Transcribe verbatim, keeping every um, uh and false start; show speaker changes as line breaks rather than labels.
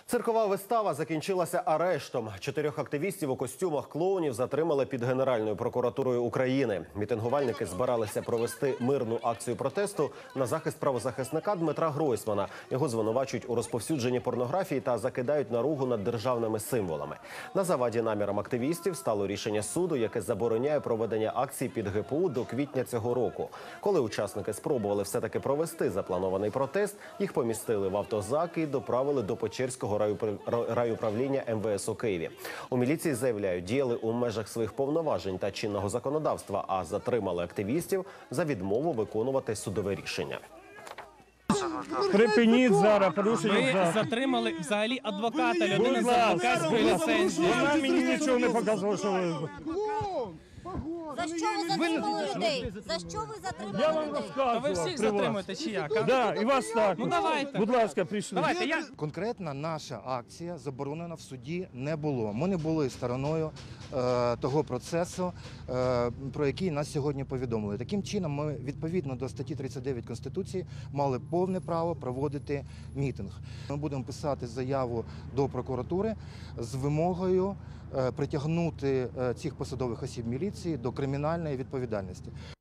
Циркова вистава закінчилася арештом. Чотирьох активістів у костюмах клоунів затримали під Генеральною прокуратурою України. Мітингувальники збиралися провести мирну акцію протесту на захист правозахисника Дмитра Гройсмана. Його звинувачують у розповсюдженні порнографії та закидають наругу над державними символами. На заваді намірам активістів стало рішення суду, яке забороняє проведення акцій під ге пе у до квітня цього року. Коли учасники спробували все-таки провести запланований протест, їх помістили в автозак і доправили до Печерського райуправління ем ве ес у Києві. У міліції заявляють, діяли у межах своїх повноважень та чинного законодавства, а затримали активістів за відмову виконувати судове рішення.
Припиніть зараз, порушення
Ви
закону.
затримали взагалі адвоката, людина з
Будь ласка,
адвокатською ліцензією.
Вона мені нічого не показувала, що ви...
За що ви затримали людей? За що ви
Я
затримали
вам
людей?
Та ви
розказував
всіх
при вас.
затримуєте чи як?
Да, і вас так.
Ну, давайте.
Будь ласка, прийшли.
Давайте, я...
Конкретна наша акція заборонена в суді не було. Ми не були стороною е, того процесу, е, про який нас сьогодні повідомили. Таким чином, ми відповідно до статті тридцять дев'ять Конституції мали повне право проводити мітинг. Ми будемо писати заяву до прокуратури з вимогою е, притягнути е, цих посадових осіб міліції до кримінальної відповідальності.